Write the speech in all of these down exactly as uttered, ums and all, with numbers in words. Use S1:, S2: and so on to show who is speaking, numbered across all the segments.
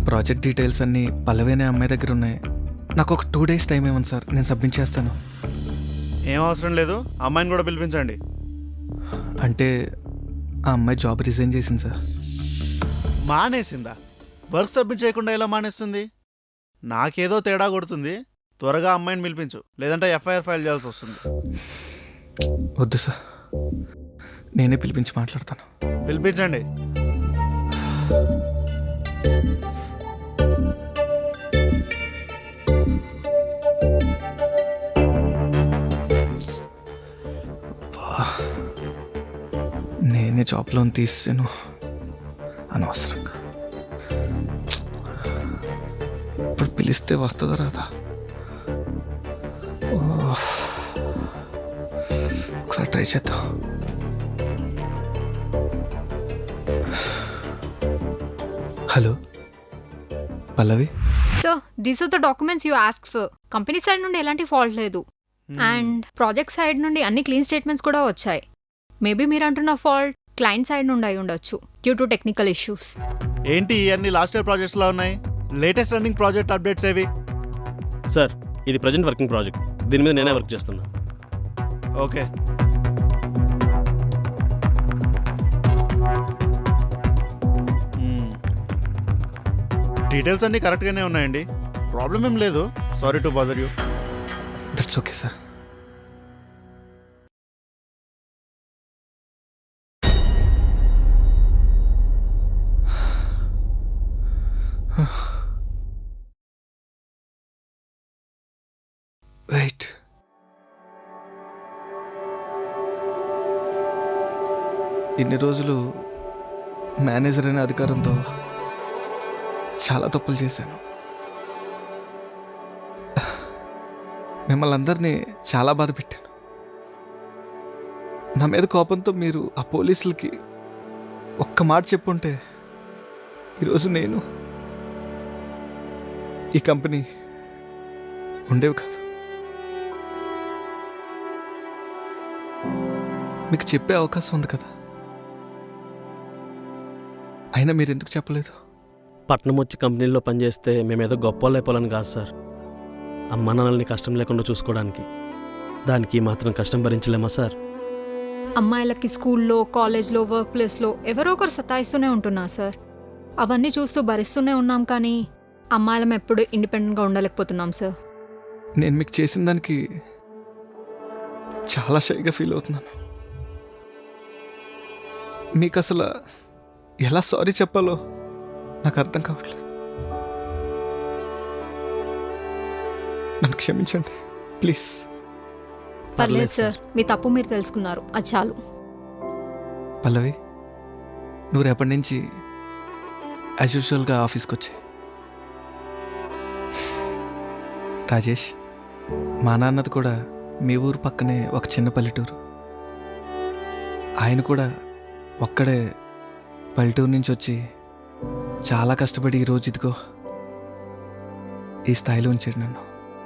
S1: Project details అన్నీ పల్లవి అనే అమ్మాయి దగ్గర ఉన్నాయి. నాకు ఒక టూ డేస్ టైం ఇవ్వండి సార్, నేను సబ్మిట్ చేస్తాను.
S2: ఏం అవసరం లేదు, అమ్మాయిని కూడా పిలిపించండి.
S1: అంటే ఆ అమ్మాయి జాబ్ రిజైన్ చేసింది సార్.
S2: మానేసిందా? వర్క్ సబ్మిట్ చేయకుండా ఎలా మానేస్తుంది? నాకేదో తేడా కొడుతుంది. త్వరగా అమ్మాయిని పిలిపించు, లేదంటే ఎఫ్ఐఆర్ ఫైల్ చేయాల్సి వస్తుంది.
S1: వద్దు సార్, నేనే పిలిపించి మాట్లాడతాను.
S2: పిలిపించండి.
S1: నేనే జాబ్ లోన్ తీసాను అనవసరంగా. ఇప్పుడు పిలిస్తే వస్తుందా రాదా? ఒకసారి ట్రై చేద్దాం. Hello Pallavi.
S3: So these are the documents you ask for. Company side నుండి ఎలాంటి ఫాల్ట్ లేదు అండ్ ప్రాజెక్ట్ సైడ్ నుండి అన్ని క్లీన్ స్టేట్మెంట్స్ కూడా వచ్చాయి. మేబీ మీరు అంటున్న ఫాల్ట్ క్లయింట్ సైడ్ నుండి అయి ఉండొచ్చు డ్యూ టు టెక్నికల్ ఇష్యూస్.
S2: ఏంటి ఇవన్నీ లాస్ట్ ఇయర్ ప్రాజెక్ట్స్ లా ఉన్నాయి? లేటెస్ట్ రన్నింగ్ ప్రాజెక్ట్ అప్డేట్స్ ఏవి?
S4: సార్ ఇది ప్రజెంట్ వర్కింగ్ ప్రాజెక్ట్, దీని మీద నేనే వర్క్ చేస్తున్నా.
S2: ఓకే. డీటెయిల్స్ అన్నీ కరెక్ట్గానే ఉన్నాయండి, ప్రాబ్లం ఏం లేదు. Sorry to bother you.
S1: That's okay sir. Wait, ఇన్ని రోజులు మేనేజర్ అనే అధికారంతో చాలా తప్పులు చేశాను. మిమ్మల్ని అందరినీ చాలా బాధ పెట్టాను. నా మీద కోపంతో మీరు ఆ పోలీసులకి ఒక్క మాట చెప్పుంటే ఈరోజు నేను ఈ కంపెనీ ఉండేవి కాదు. మీకు చెప్పే అవకాశం ఉంది కదా, అయినా మీరు ఎందుకు చెప్పలేదు?
S4: పట్నం వచ్చి కంపెనీలో పనిచేస్తే మేమేదో గొప్ప వాళ్ళు అయిపోవాలని కాదు సార్, అమ్మ నాన్నల్ని కష్టం లేకుండా చూసుకోవడానికి. దానికి మాత్రం కష్టం భరించలేమా సార్?
S3: అమ్మాయిలకి స్కూల్లో, కాలేజ్లో, వర్క్ ప్లేస్లో ఎవరో ఒకరు సతాయిస్తూనే ఉంటున్నారు సార్. అవన్నీ చూస్తూ భరిస్తూనే ఉన్నాం, కానీ అమ్మాయిలం ఎప్పుడు ఇండిపెండెంట్గా ఉండలేకపోతున్నాం సార్.
S1: నేను మీకు చేసిన దానికి చాలా షైగా ఫీల్ అవుతున్నాను. మీకు అసలు ఎలా సారీ చెప్పాలో నాకు అర్థం కావట్లేదు. నన్ను క్షమించండి ప్లీజ్.
S3: పర్లేదు సార్, మీ తప్పు మీరు తెలుసుకున్నారు, అది చాలు.
S1: పల్లవి, నువ్వు రేపటి నుంచి యాజ్ యూజువల్గా ఆఫీస్కి వచ్చాయి. రాజేష్, మా నాన్నది కూడా మీ ఊరు పక్కనే ఒక చిన్న పల్లెటూరు. ఆయన కూడా ఒక్కడే పల్లెటూరు నుంచి వచ్చి చాలా కష్టపడి ఈరోజు ఇదిగో ఈ స్థాయిలో ఉంచాడు నన్ను.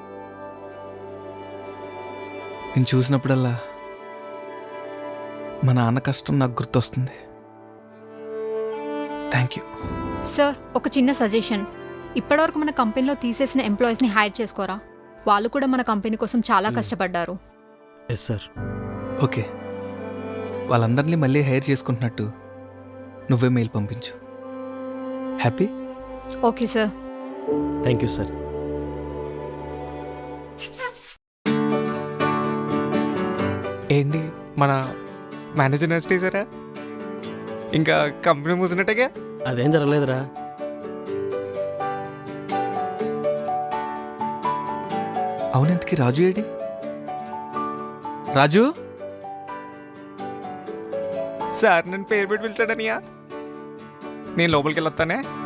S1: నేను చూసినప్పుడల్లా మా నాన్న కష్టం నాకు గుర్తొస్తుంది. Thank you
S3: sir. ఒక చిన్న సజెషన్, ఇప్పటివరకు మన కంపెనీలో తీసేసిన ఎంప్లాయీస్ని హైర్ చేసుకోరా. వాళ్ళు కూడా మన కంపెనీ కోసం చాలా కష్టపడ్డారు.
S4: Yes sir.
S1: ఓకే, వాళ్ళందరినీ మళ్ళీ హైర్ చేసుకుంటున్నట్టు నువ్వే మెయిల్ పంపించు. Happy?
S3: Okay sir.
S4: Thank you sir.
S5: ఏంటి మన మేనేజర్ నెక్స్ట్ చేశారా? ఇంకా కంపెనీ మూసినట్టుగా?
S4: అదేం జరగలేదురా.
S1: అవునంతకి రాజు ఏడి? రాజు
S5: సార్ నన్ను పేరు పెట్టి పిలిచాడనియా, నేను లోపలికి వెళ్ళొస్తానే.